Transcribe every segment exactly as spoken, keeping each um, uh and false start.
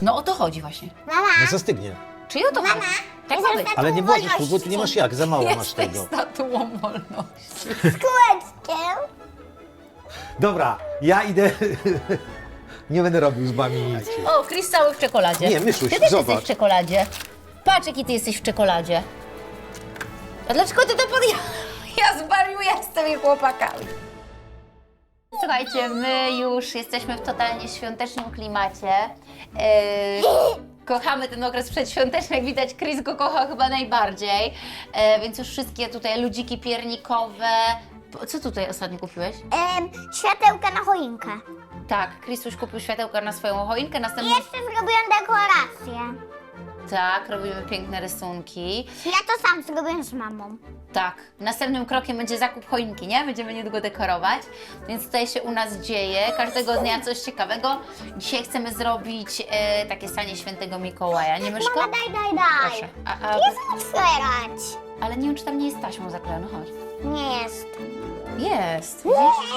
No o to chodzi właśnie. Mama, No zastygnie. Czyli o to Mama, chodzi. Tak jestem ma być. za- Ale nie włożysz, wolności. bo tu nie masz jak, za mało masz Jesteś tego. statuą wolności. z kółeczkiem. Dobra, ja idę. Nie będę robił z wami nic. O, Chris cały w czekoladzie. Nie, Myszuś, Ty też zobacz. jesteś w czekoladzie. Patrz, jaki ty jesteś w czekoladzie. A dlaczego ty to podjąłeś? Ja zwariuję z tymi chłopakami. Słuchajcie, my już jesteśmy w totalnie świątecznym klimacie. Yy, kochamy ten okres przedświąteczny, jak widać Chris go kocha chyba najbardziej. Yy, więc już wszystkie tutaj ludziki piernikowe. Co tutaj ostatnio kupiłeś? Em, światełka na choinkę. Tak, Chris już kupił światełka na swoją choinkę, I następnie... jeszcze zrobiłam dekorację. Tak, robimy piękne rysunki. Ja to sam zrobiłem z mamą. Tak, następnym krokiem będzie zakup choinki, nie? Będziemy niedługo dekorować, więc tutaj się u nas dzieje. Każdego dnia coś ciekawego. Dzisiaj chcemy zrobić e, takie stanie świętego Mikołaja, nie Myszko? Mama, daj, daj, daj. Proszę. A, a, Jest otwierać. ale nie wiem, czy tam nie jest taśmą zaklejona, chodź. Nie jest. Jest, widzisz?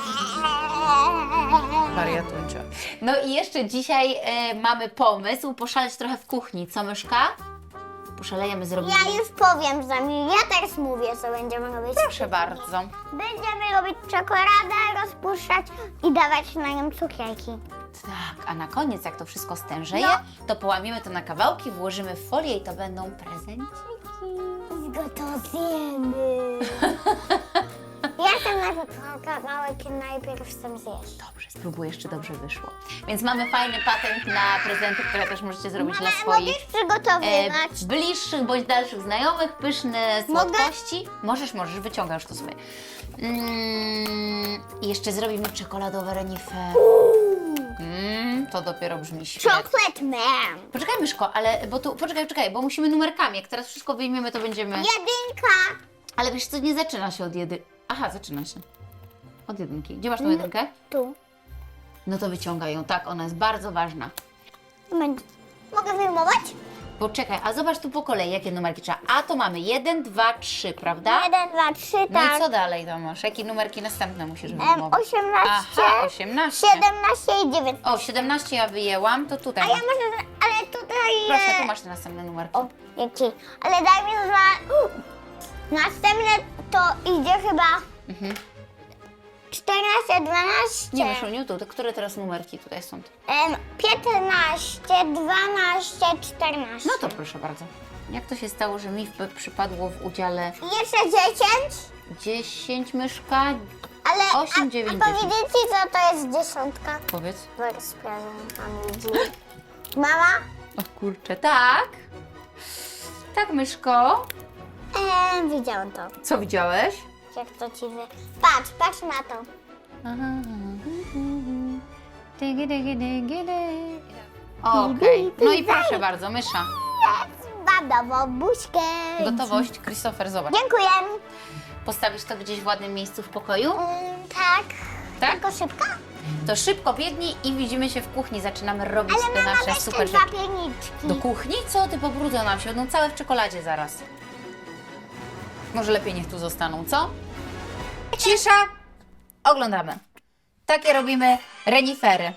Wariatuncia. No i jeszcze dzisiaj e, mamy pomysł poszaleć trochę w kuchni, co Myszka? Poszalejemy, zrobimy... Ja już powiem za mnie. Ja teraz mówię, co będziemy robić. Proszę bardzo. Będziemy robić czekoladę, rozpuszczać i dawać na nią cukierki. Tak, a na koniec, jak to wszystko stężeje, No. to połamiemy to na kawałki, włożymy w folię i to będą prezenciki. I go to zjemy. Ja ten kawałek najpierw chcę zjeść. Dobrze, spróbuję, czy dobrze wyszło. Więc mamy fajny patent na prezenty, które też możecie zrobić Mama, dla swoich możesz przygotowywać. e, bliższych bądź dalszych znajomych, pyszne Mogę? słodkości. Możesz, możesz, wyciąga już to sobie. Mm, I jeszcze zrobimy czekoladowe renife. Mm, to dopiero brzmi świetnie. Chocolate man. Poczekaj, Myszko, ale, bo tu, poczekaj, poczekaj, bo musimy numerkami. Jak teraz wszystko wyjmiemy, to będziemy... Jedynka. Ale wiesz co, nie zaczyna się od jedy... Aha, zaczyna się. Od jedynki. Gdzie masz tą jedynkę? Tu. No to wyciągaj ją, tak, ona jest bardzo ważna. Będzie. Mogę wyjmować? Poczekaj, a zobacz tu po kolei, jakie numerki trzeba. A to mamy jeden, dwa, trzy, prawda? Jeden, dwa, trzy, No tak. i co dalej tam masz? Jakie numerki następne musisz Em, wyjmować? osiemnaście, Aha, osiemnaście. siedemnaście i dziewiętnaście. O, siedemnaście ja wyjęłam, to tutaj A ja masz. może, ale tutaj... Proszę, e, tu masz te następne numerki. O, jaki? Ale daj mi dwa... Następne to idzie chyba... Mhm. czternaście, dwanaście... Nie, Myszuniu, tu, to które teraz numerki tutaj są? Em, piętnaście, dwanaście, czternaście. No to proszę bardzo. Jak to się stało, że mi w- przypadło w udziale I jeszcze dziesięć, dziesięć, Myszka? ale Osiem, a, dziewięć, a powiedzieć ci, co to jest dziesiątka? Powiedz. Weź z prezentami widzi. Mama? O kurczę, tak. Tak, Myszko. Em, widziałam to. Co widziałeś? Jak to ci wy... Patrz, patrz na to. Dygi, dygi, dygi, dygi. Okej, no i proszę bardzo, mysza. Badową buźkę. Gotowość, Christopher, zobacz. Dziękuję. Postawisz to gdzieś w ładnym miejscu w pokoju? Mm, tak. Tak? Tylko szybko? To szybko biegnij i widzimy się w kuchni. Zaczynamy robić Ale te mama, nasze weź te super dwa rzeczy. pierniczki. Do kuchni? Co ty, pobrudzą nam się, będą całe w czekoladzie zaraz. Może lepiej niech tu zostaną, co? Cisza! Oglądamy. Takie robimy renifery.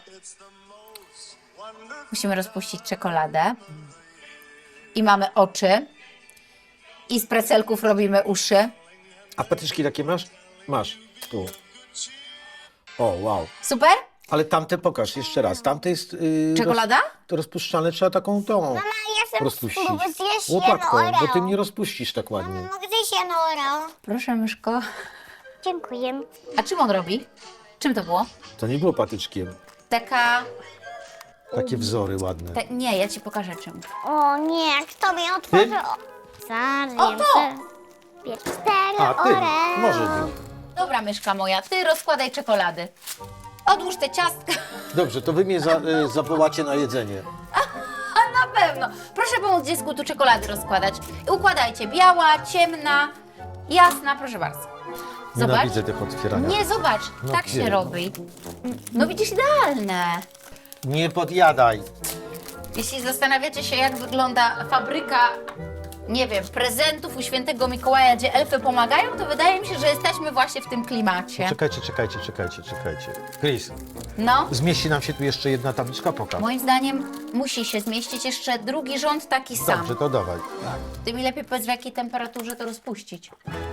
Musimy rozpuścić czekoladę. I mamy oczy. I z precelków robimy uszy. A patyczki takie masz? Masz. Tu. O, wow. Super? Ale tamte pokaż jeszcze raz. Tamte jest... Yy, Czekolada? Roz, to rozpuszczalne trzeba taką tą Mama, ja chcę rozpuścić. spróbować zjeść jedno Łopatką, Oreo. bo ty nie rozpuścisz tak ładnie. Mama, mogę zjeść jedno Oreo? Proszę, myszko. Dziękuję. A czym on robi? Czym to było? To nie było patyczkiem. Taka... Takie wzory ładne. Ta, nie, ja ci pokażę czym. O nie, jak to mi otworzy... O, Zawiem, O, to! że- Cztery A, ty. Oreo. Może być. Dobra, myszka moja, ty rozkładaj czekolady. Odłóż te ciastka. Dobrze, to wy mnie za, y, zawołacie na jedzenie. A na pewno. Proszę pomóc dziecku tu czekolady rozkładać. I układajcie. Biała, ciemna, jasna, proszę bardzo. Zobacz. Nienawidzę tych otwierania. Nie, zobacz. No tak się wiem. robi. No widzisz, idealne. Nie podjadaj. Jeśli zastanawiacie się, jak wygląda fabryka nie wiem, prezentów u świętego Mikołaja, gdzie elfy pomagają, to wydaje mi się, że jesteśmy właśnie w tym klimacie. Czekajcie, czekajcie, czekajcie, czekajcie. Chris, No, zmieści nam się tu jeszcze jedna tabliczka, pokaż. moim zdaniem musi się zmieścić jeszcze drugi rząd taki sam. Dobrze, to dawaj. Ty mi lepiej powiedz, w jakiej temperaturze to rozpuścić.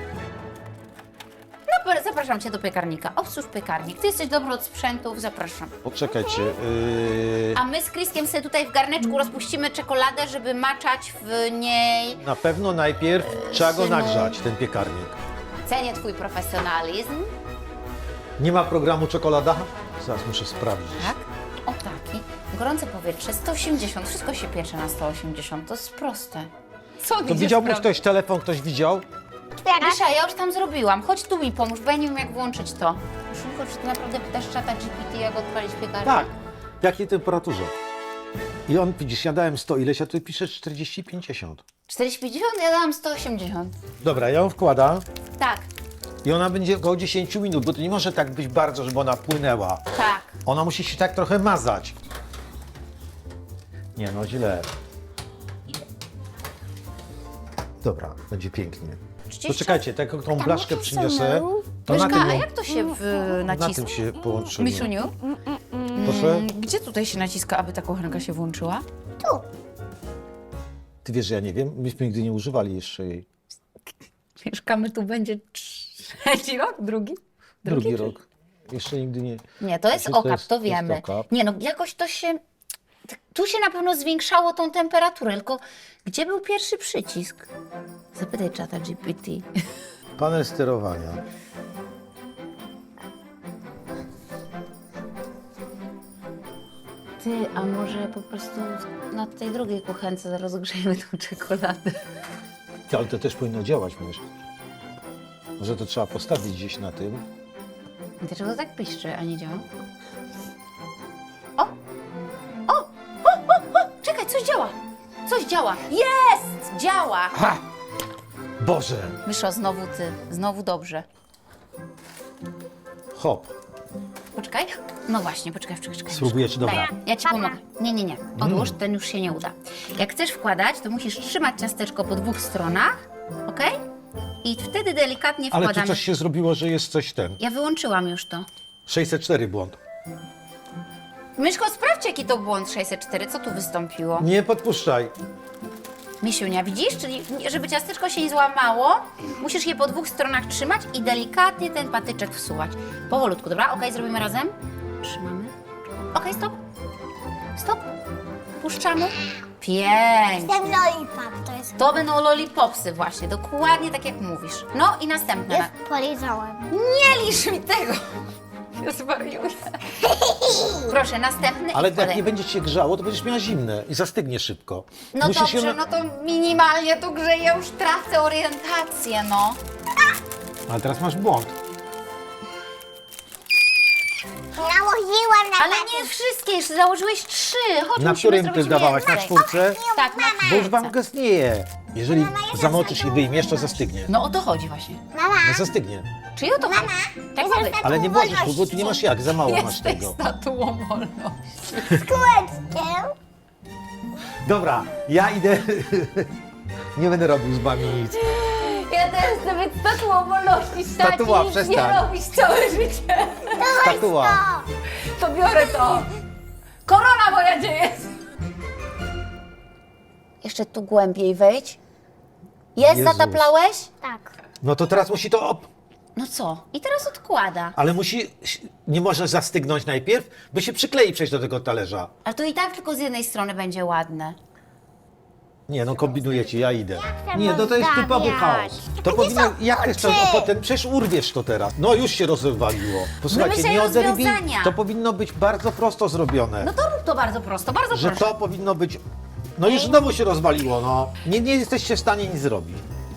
No, po- zapraszam cię do piekarnika. Obsłuż piekarnik. Ty jesteś dobry od sprzętów, zapraszam. Poczekajcie. Yy... A my z Kriskiem sobie tutaj w garneczku rozpuścimy czekoladę, żeby maczać w niej. Na pewno najpierw trzeba go synu. nagrzać, ten piekarnik. Cenię twój profesjonalizm. Nie ma programu czekolada? Zaraz muszę sprawdzić. Tak? O taki. Gorące powietrze, sto osiemdziesiąt. Wszystko się piecze na sto osiemdziesiąt. To jest proste. Co To widział mu ktoś telefon, ktoś widział? Misza, ja już tam zrobiłam. Chodź tu mi pomóż, bo ja nie wiem jak włączyć to. Szymko, czy ty naprawdę pytasz czata G P T, jak odpalić piekarnik? Tak. W jakiej temperaturze? I on, widzisz, ja dałem sto ileś, a ty piszesz czterdzieści pięćdziesiąt. czterdzieści pięćdziesiąt, ja dałam sto osiemdziesiąt. Dobra, ja ją wkładam Tak, i ona będzie około dziesięć minut, bo to nie może tak być bardzo, żeby ona płynęła. tak. Ona musi się tak trochę mazać. Nie no, źle. Dobra, będzie pięknie. trzydzieści Poczekajcie, tak jak tą blaszkę przyniosę, to na Myszka, tym, a ją- jak to się w, na naciska? tym się połączymy. Misiuniu, Proszę? gdzie tutaj się naciska, aby ta kuchenka się włączyła? Tu. Ty wiesz, że ja nie wiem, myśmy nigdy nie używali jeszcze jej. Mieszkamy tu będzie trzeci rok, drugi? Drugi czy- rok. Jeszcze nigdy nie. Nie, to jest Znaczy, to okap, jest- to to jest wiemy. okap. Nie no, jakoś to się... Tu się na pewno zwiększało tą temperaturę, tylko gdzie był pierwszy przycisk? Zapytaj czata G P T. Panel sterowania. Ty, a może po prostu na tej drugiej kuchence rozgrzejemy tą czekoladę? Ty, ale to też powinno działać, myśl. Może to trzeba postawić gdzieś na tym. Dlaczego tak piszczy, a nie działa? O! O! O! O! O! Czekaj, coś działa! Coś działa! Jest! Działa! Ha! Boże! Myszo, znowu ty. Znowu dobrze. Hop. Poczekaj. No właśnie, poczekaj, poczekaj, poczekaj. Spróbujecie, dobra. Daj, ja ci pomogę. Nie, nie, nie. Odłóż, ten już się nie uda. Jak chcesz wkładać, to musisz trzymać ciasteczko po dwóch stronach, ok? I wtedy delikatnie Ale wkładamy. tu coś się zrobiło, że jest coś ten. Ja wyłączyłam już to. sześćset cztery błąd. Myszko, sprawdź, jaki to błąd sześćset cztery. Co tu wystąpiło? Nie podpuszczaj. Misiunia, widzisz? Czyli żeby ciasteczko się nie złamało, musisz je po dwóch stronach trzymać i delikatnie ten patyczek wsuwać. Powolutku, dobra? Okej, zrobimy razem? Trzymamy. Okej, stop. Stop. Puszczamy. Pięknie. Ten lollipop to jest. To będą lollipopsy właśnie, dokładnie tak jak mówisz. No i następne. Już polizałem. Nie lisz mi tego! Ja zwariuję. Proszę, następny Ale i jak wkładaj. nie będzie cię grzało, to będziesz miała zimne i zastygnie szybko. No Musisz dobrze, ją na- no to minimalnie tu grzeję, ja już tracę orientację, no. Ale teraz masz błąd. Nałożyłam na Ale nie wszystkie, jeszcze założyłeś trzy. Chodź, Na musimy którym zrobić ty dawałaś? Na więcej. czwórce? Tak, na Bo już wam czwórce. gasnieje. Jeżeli zamoczysz i wyjmiesz, to zastygnie. No o to chodzi właśnie. Mama, No zastygnie. Czyli o to chodzi. Tak ma być. Ale nie możesz, bo ty nie masz jak, za mało masz Jesteś tego. statuą wolności. z kółeczkiem. Dobra, ja idę. Nie będę robił z wami nic. Ja też chcę być statuą wolności, stać Statua, i nic nie przestań. robić całe życie. Statua. To biorę to. Korona moja gdzie jest? Jeszcze tu głębiej wejdź. Jest, Jezus. zataplałeś? Tak. No to teraz musi to. Op... No co? I teraz odkłada. Ale musi. Nie może zastygnąć najpierw, bo się przyklei przejść do tego talerza. Ale to i tak tylko z jednej strony będzie ładne. Nie, no kombinujecie, ja idę. chcę Nie, no to jest typowy rozdawiać. chaos. To powinno. Jak chcesz to oczy? potem? Przecież urwiesz to teraz. No już się rozwaliło. Posłuchajcie, Wymyślaj nie oderwij. rozwiązania. To powinno być bardzo prosto zrobione. No to rób to bardzo prosto, bardzo Że prosto. to powinno być. No już znowu się rozwaliło, no. Nie, nie jesteście w stanie nic zrobić.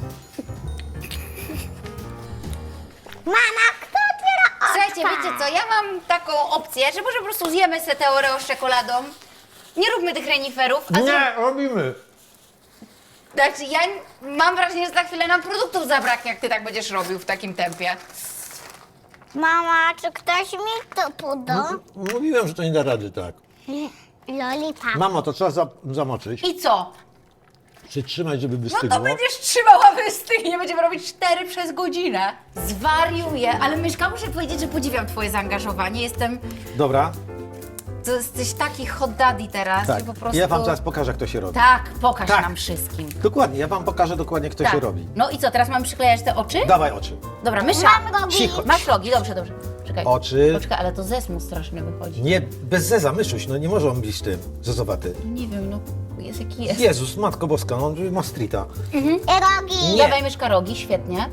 Mama, kto otwiera oczka? Słuchajcie, wiecie co, ja mam taką opcję, że może po prostu zjemy se tę Oreo z czekoladą. Nie róbmy tych reniferów. A zrób- Nie, robimy. Znaczy, ja mam wrażenie, że za chwilę nam produktów zabraknie, jak ty tak będziesz robił w takim tempie. Mama, czy ktoś mi to poda? Mówiłem, że to nie da rady tak. Lollipop. Mamo, to trzeba za, zamoczyć. I co? Przytrzymać, żeby No wystygło. to będziesz trzymała wystygnie, nie będziemy robić cztery przez godzinę. Zwariuję, ale Myszka, muszę powiedzieć, że podziwiam twoje zaangażowanie. Jestem, Dobra, to jesteś taki hot daddy teraz. tak. I po prostu... Ja wam zaraz pokażę, jak to się robi. Tak, pokaż Tak. nam wszystkim. Dokładnie, ja wam pokażę dokładnie, jak to Tak. się robi. No i co, teraz mam przyklejać te oczy? Dawaj oczy. Dobra, Mysza. Mam robić. Cicho. Masz rogi, dobrze, dobrze. Czekaj. Oczy. Poczekaj, ale to zesmu straszny wychodzi. Nie, bez zeza, myszuś, no nie może on być tym, zezowaty. Nie wiem, no jest jaki jest. Jezus, Matko Boska, no on ma streeta. I rogi. Nie. Dawaj Myszka rogi, świetnie.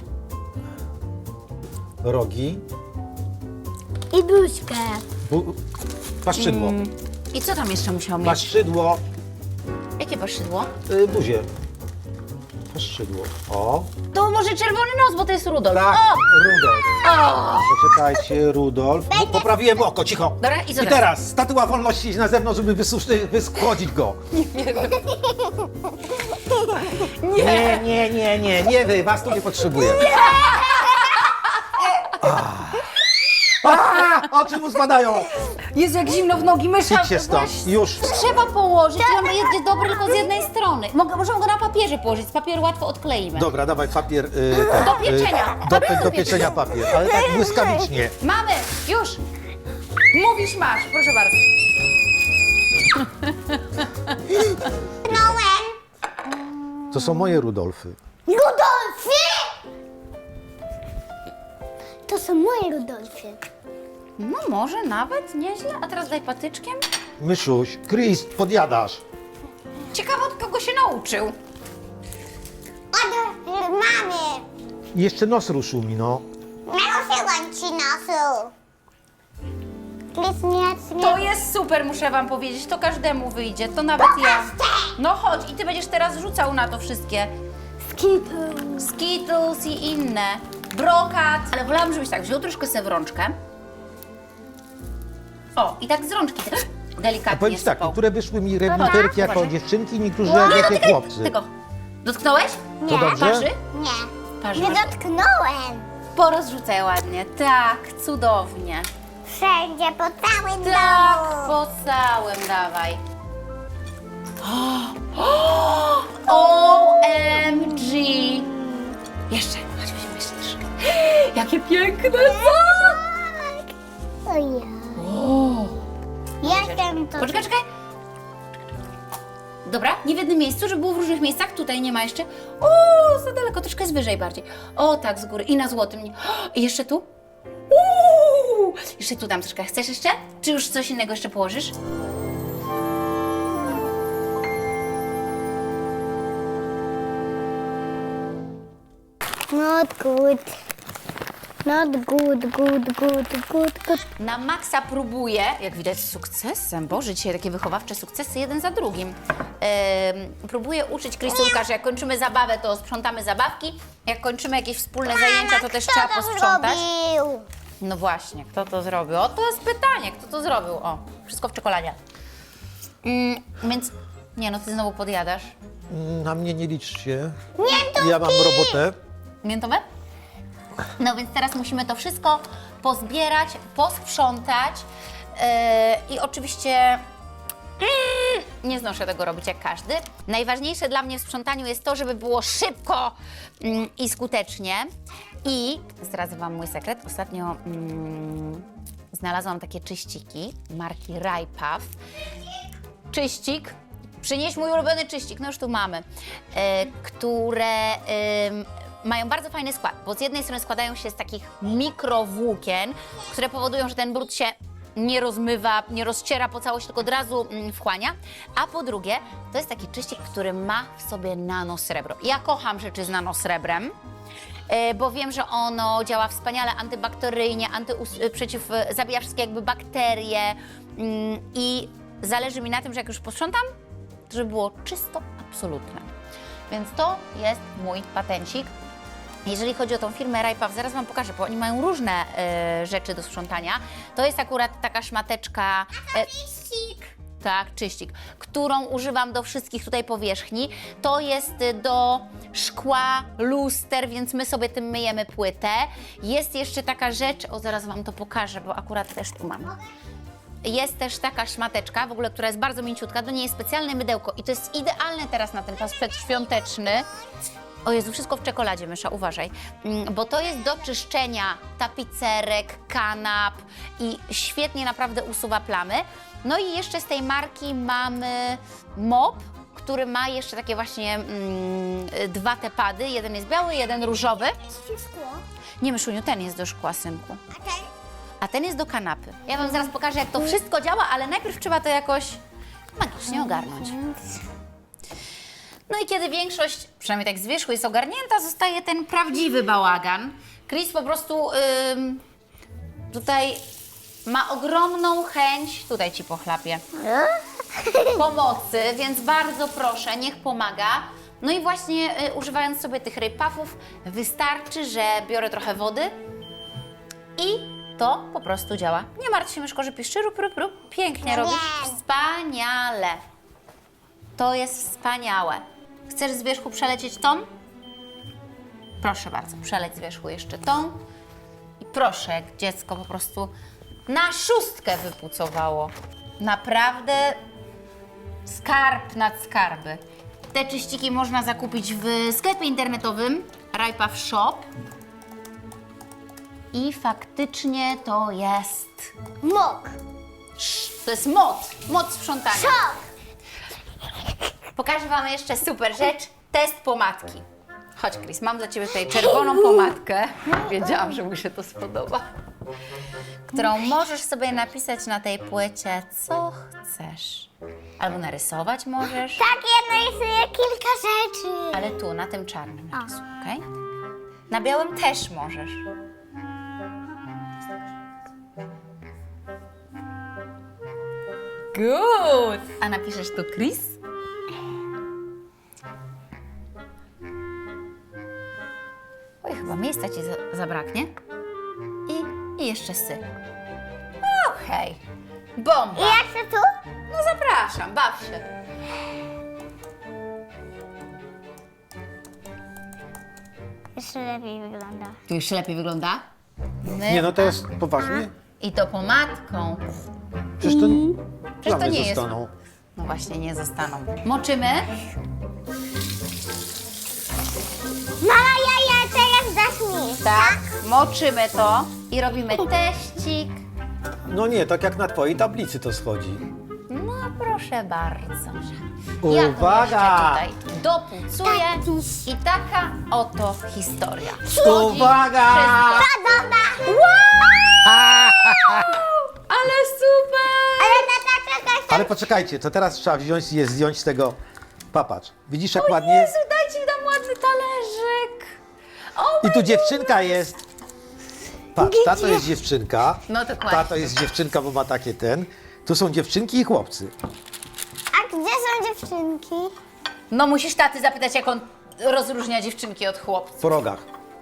Rogi, I buźkę. bu... paszczydło. Mm. I co tam jeszcze musiał mieć? Paszczydło, Jakie paszczydło? y, buzie. Paszczydło. O, To może czerwony nos, bo to jest Rudolf. tak, O! Rudolf. O! Poczekajcie, Rudolf. Bo poprawiłem oko, cicho. Dobra, i co I teraz? teraz statua wolności iść na zewnątrz, żeby wysuszyć, wyschłodzić go. Nie, nie, nie, nie, nie wy, was tu nie potrzebuję. A, oczy mu spadają. Jezu, jak zimno w nogi, Mysza. Idźcie stąd, weź- już. Trzeba położyć i on będzie dobry tylko z jednej strony. Mogę, możemy go na papierze położyć, z papieru łatwo odkleimy. Dobra, dawaj papier. Y, ten, Do pieczenia. Y, do, do pieczenia papier, ale tak błyskawicznie. Mamy, już. Mówisz, masz, proszę bardzo. Nołem. To są moje Rudolfy. Rudolfy! To są moje Rudolfy. No może nawet nieźle, a teraz daj patyczkiem. Myszuś, Chris, podjadasz. Ciekawe od kogo się nauczył. Od mamy. Jeszcze nos ruszył mi, no. Naruszyłam ci nosu. Chris, nie, nie. To jest super, muszę wam powiedzieć, to każdemu wyjdzie, to nawet ja. No chodź i ty będziesz teraz rzucał na to wszystkie. Skittles. Skittles i inne. Brokat. Ale wolałam, żebyś tak wziął troszkę sobie w rączkę. O, i tak z rączki delikatnie A powiem ci tak, sypał. niektóre wyszły mi rewiterki jako Uważaj. dziewczynki, niektórzy Nie jako dotykaj chłopcy. tego. Dotknąłeś? To dobrze? Parzy? Nie. Parzy Nie masz? dotknąłem. Porozrzucaj ładnie. Tak, cudownie. Wszędzie, po całym Tak, domu. po całym dawaj. O M G! Jeszcze, chodź, weźmy jeszcze troszkę. Jakie piękne! To ja. Jestem to. Poczekaj, czekaj. Dobra, nie w jednym miejscu, żeby było w różnych miejscach. Tutaj nie ma jeszcze. O, za daleko, troszkę jest wyżej bardziej. O, tak, z góry. I na złotym. Nie. I jeszcze tu. Uuu, jeszcze tu dam troszkę. Chcesz jeszcze? Czy już coś innego jeszcze położysz? Not good. Not good, good, good, good, good. Na maksa próbuję, jak widać z sukcesem, Boże, dzisiaj takie wychowawcze sukcesy jeden za drugim. Ehm, próbuję uczyć Krysiulka, że jak kończymy zabawę, to sprzątamy zabawki, jak kończymy jakieś wspólne zajęcia, to też Kto trzeba to posprzątać. zrobił? No właśnie, kto to zrobił? O, to jest pytanie, kto to zrobił? O, wszystko w czekoladzie. Mm, więc, nie no, ty znowu podjadasz. Na mnie nie liczcie. Miętówki. Ja mam robotę. Miętowe? No więc teraz musimy to wszystko pozbierać, posprzątać yy, i oczywiście mm, nie znoszę tego robić jak każdy. Najważniejsze dla mnie w sprzątaniu jest to, żeby było szybko mm, i skutecznie. I zdradzę Wam mój sekret. Ostatnio mm, znalazłam takie czyściki marki Rajpaw. Czyścik. Przynieś mój ulubiony czyścik, no już tu mamy, e, które em, mają bardzo fajny skład, bo z jednej strony składają się z takich mikrowłókien, które powodują, że ten brud się nie rozmywa, nie rozciera po całości, tylko od razu mm, wchłania, a po drugie to jest taki czyścik, który ma w sobie nanosrebro. Ja kocham rzeczy z nanosrebrem, e, bo wiem, że ono działa wspaniale antybakteryjnie, antyus- przeciw, zabija wszystkie jakby bakterie mm, i zależy mi na tym, że jak już posprzątam, to żeby było czysto, absolutne. Więc to jest mój patencik. Jeżeli chodzi o tą firmę Rajpaw, zaraz Wam pokażę, bo oni mają różne e, rzeczy do sprzątania. To jest akurat taka szmateczka... E, Czyścik. tak, czyścik, którą używam do wszystkich tutaj powierzchni. To jest y, do szkła, luster, więc my sobie tym myjemy płytę. Jest jeszcze taka rzecz, o zaraz Wam to pokażę, bo akurat też tu mam. jest też taka szmateczka, w ogóle, która jest bardzo mięciutka, do niej jest specjalne mydełko i to jest idealne teraz na ten czas przedświąteczny. O Jezu, wszystko w czekoladzie, Mysza, uważaj. Mm, Bo to jest do czyszczenia tapicerek, kanap i świetnie naprawdę usuwa plamy. No i jeszcze z tej marki mamy mop, który ma jeszcze takie właśnie mm, dwa te pady. Jeden jest biały, jeden różowy. Wszystko. Nie, Myszuniu, ten jest do szkła, synku. A ten? A ten jest do kanapy. Ja wam zaraz pokażę, jak to wszystko działa, ale najpierw trzeba to jakoś magicznie ogarnąć. No i kiedy większość, przynajmniej tak z wierzchu, jest ogarnięta, zostaje ten prawdziwy bałagan. Chris po prostu ym, tutaj ma ogromną chęć, tutaj ci pochlapię, pomocy, więc bardzo proszę, niech pomaga. No i właśnie y, używając sobie tych ryb puffów, wystarczy, że biorę trochę wody i to po prostu działa. Nie martw się, myszko, że piszczy, rób, rób, rób. Pięknie No robisz. wiem. Wspaniale. To jest wspaniałe. Chcesz z wierzchu przelecieć tą? Proszę bardzo, przeleć z wierzchu jeszcze tą. I proszę, jak dziecko po prostu na szóstkę wypucowało. Naprawdę skarb nad skarby. Te czyściki można zakupić w sklepie internetowym Rajpaw Shop. I faktycznie to jest... Mok. To jest moc, moc sprzątania. Szok. Pokażę wam jeszcze super rzecz, test pomadki. Chodź, Chris, mam dla ciebie tutaj czerwoną pomadkę. Wiedziałam, że mu się to spodoba. Którą możesz sobie napisać na tej płycie, co chcesz. Albo narysować możesz, Tak, ja narysuję kilka rzeczy. ale tu, na tym czarnym narysuj, okej? Na białym też możesz. Good! A napiszesz tu Chris? Oj, chyba miejsca ci za zabraknie. I, I jeszcze sy. Okej. Bomba. I jak to tu? No zapraszam, baw się. Jeszcze lepiej wygląda. Tu już lepiej wygląda? My... Nie, no to jest poważnie. I to pomadką. Przecież to, Przecież to plamy nie jest. zostaną. No właśnie, nie zostaną. Moczymy. Mama, ja, ja teraz dasz mi. Tak. Moczymy to i robimy teścik. No nie, tak jak na twojej tablicy to schodzi. No proszę bardzo. Uwaga! Ja to jeszcze tutaj dopucuję i taka oto historia. Uwaga! Wszystko. Podoba. Ale super! Ale tata, czekaj. Ale poczekajcie, to teraz trzeba wziąć i je zdjąć z tego. Papatrz, widzisz jak O ładnie? Jezu, dajcie mi tam ładny talerzyk. O, I tu dziewczynka jest. Patrz, ta to jest dziewczynka. No dokładnie. Ta to jest dziewczynka, bo ma takie ten. Tu są dziewczynki i chłopcy. A gdzie są dziewczynki? no musisz taty zapytać, jak on rozróżnia dziewczynki od chłopców. Po rogach.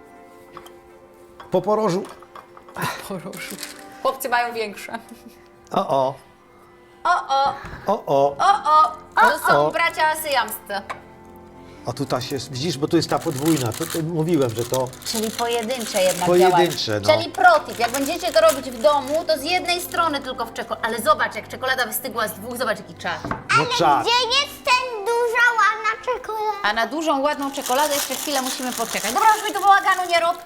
Po porożu. Chłopcy mają większe. O, o, O, o, o, o. o, o. To są o. bracia syjamscy. A tu ta się, widzisz, bo tu jest ta podwójna. To, to mówiłem, że to Czyli pojedyncze jednak Pojedyncze, działają. no. Czyli protip, jak będziecie to robić w domu, to z jednej strony tylko w czekoladzie. Ale zobacz, jak czekolada wystygła z dwóch, zobacz jaki czas. no czas. Gdzie jest ten duża, ładna czekolada? A na dużą, ładną czekoladę jeszcze chwilę musimy poczekać. Dobra, już mi tu bałaganu nie rób.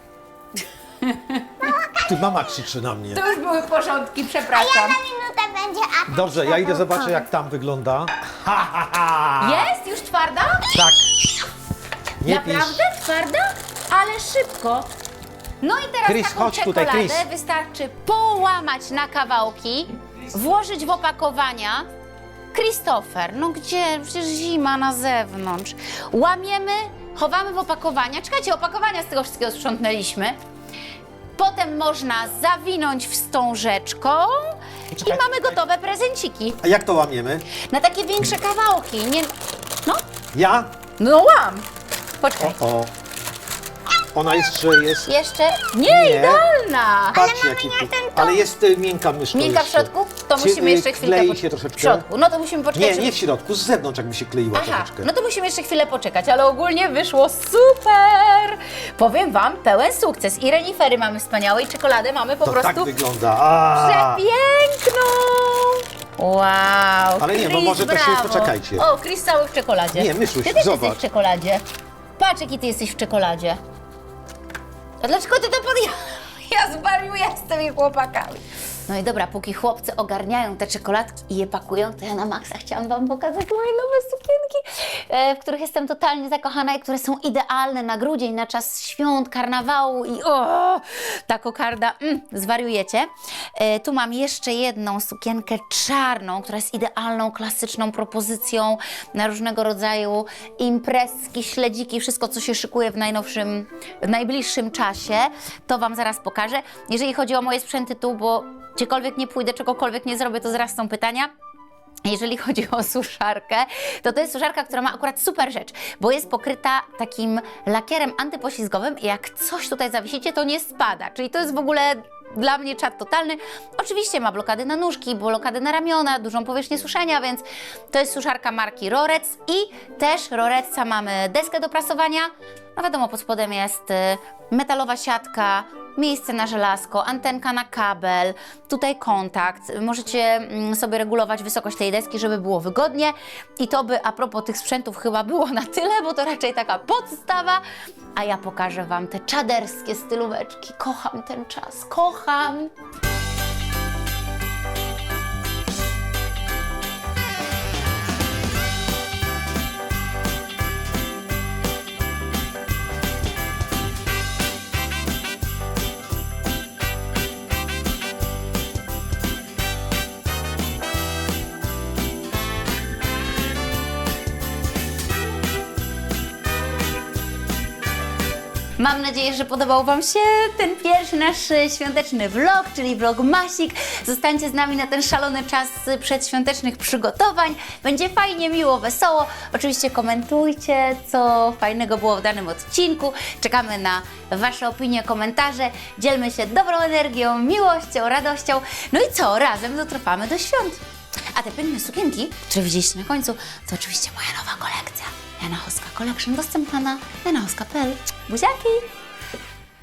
Ty mama krzyczy na mnie. To już były porządki, A ja przepraszam. na minutę będzie atak. Dobrze, ja idę zobaczę jak tam wygląda. Ha, ha, ha. Jest? Już twarda? Tak. Nie pisz. Naprawdę? Twarda? Ale szybko. No i teraz Chris, taką chodź tutaj, czekoladę Chris. wystarczy połamać na kawałki, włożyć w opakowania. Christopher, no gdzie? Przecież zima na zewnątrz. Łamiemy, chowamy w opakowania. Czekajcie, opakowania z tego wszystkiego sprzątnęliśmy. Potem można zawinąć wstążeczką Poczekaj, i mamy gotowe prezenciki. A jak to łamiemy? Na takie większe kawałki. Nie... No, Ja? no łam. O, Poczekaj. o. Ona jeszcze jest. Jeszcze? Nie, Nie. idealnie. pyszna. Patrzcie, jaki ja tu... ten to- Ale jest y, miękka myszka Miękka w jeszcze. środku? To Czy, musimy y, jeszcze chwilkę klei po- się troszeczkę? W środku, no to musimy poczekać. Nie, żeby- nie w środku, z zewnątrz jakby się kleiła Aha, troszeczkę. no to musimy jeszcze chwilę poczekać, ale ogólnie wyszło super! Powiem Wam, pełen sukces. I renifery mamy wspaniałe i czekoladę mamy po to prostu tak wygląda. A, przepiękną! Wow! Ale nie, bo Chris, może to się- brawo. poczekajcie. O, Chris cały w czekoladzie. Nie, Myszuś, Ty też zobacz. jesteś w czekoladzie. Patrz, jaki Ty jesteś w czekoladzie. A dlaczego Ty to pod... Ja zwariuję z tymi chłopakami. No i dobra, póki chłopcy ogarniają te czekoladki i je pakują, to ja na maksa chciałam Wam pokazać moje nowe sukienki, e, w których jestem totalnie zakochana i które są idealne na grudzień, na czas świąt, karnawału i o, ta kokarda, mm, zwariujecie. E, tu mam jeszcze jedną sukienkę czarną, która jest idealną, klasyczną propozycją na różnego rodzaju imprezki, śledziki, wszystko, co się szykuje w najnowszym, w najbliższym czasie. To Wam zaraz pokażę. Jeżeli chodzi o moje sprzęty tu, bo gdziekolwiek nie pójdę, czegokolwiek nie zrobię, to zaraz są pytania. Jeżeli chodzi o suszarkę, to to jest suszarka, która ma akurat super rzecz, bo jest pokryta takim lakierem antypoślizgowym i jak coś tutaj zawiesicie, to nie spada. Czyli to jest w ogóle dla mnie czad totalny. Oczywiście ma blokady na nóżki, blokady na ramiona, dużą powierzchnię suszenia, więc to jest suszarka marki Rorec i też Roreca mamy deskę do prasowania. No wiadomo, pod spodem jest y, metalowa siatka, miejsce na żelazko, antenka na kabel, tutaj kontakt. Możecie mm, sobie regulować wysokość tej deski, żeby było wygodnie. I to by a propos tych sprzętów chyba było na tyle, bo to raczej taka podstawa. A ja pokażę Wam te czaderskie stylóweczki. Kocham ten czas, kocham! Mam nadzieję, że podobał Wam się ten pierwszy nasz e, świąteczny vlog, czyli vlog Masik. Zostańcie z nami na ten szalony czas przedświątecznych przygotowań. Będzie fajnie, miło, wesoło. Oczywiście komentujcie, co fajnego było w danym odcinku. Czekamy na Wasze opinie, komentarze. Dzielmy się dobrą energią, miłością, radością. No i co? Razem dotrwamy do świąt. A te piękne sukienki, które widzieliście na końcu, to oczywiście moja nowa kolekcja. Jana Hoska Collection, dostępna na jana hoska kropka p l. Buziaki!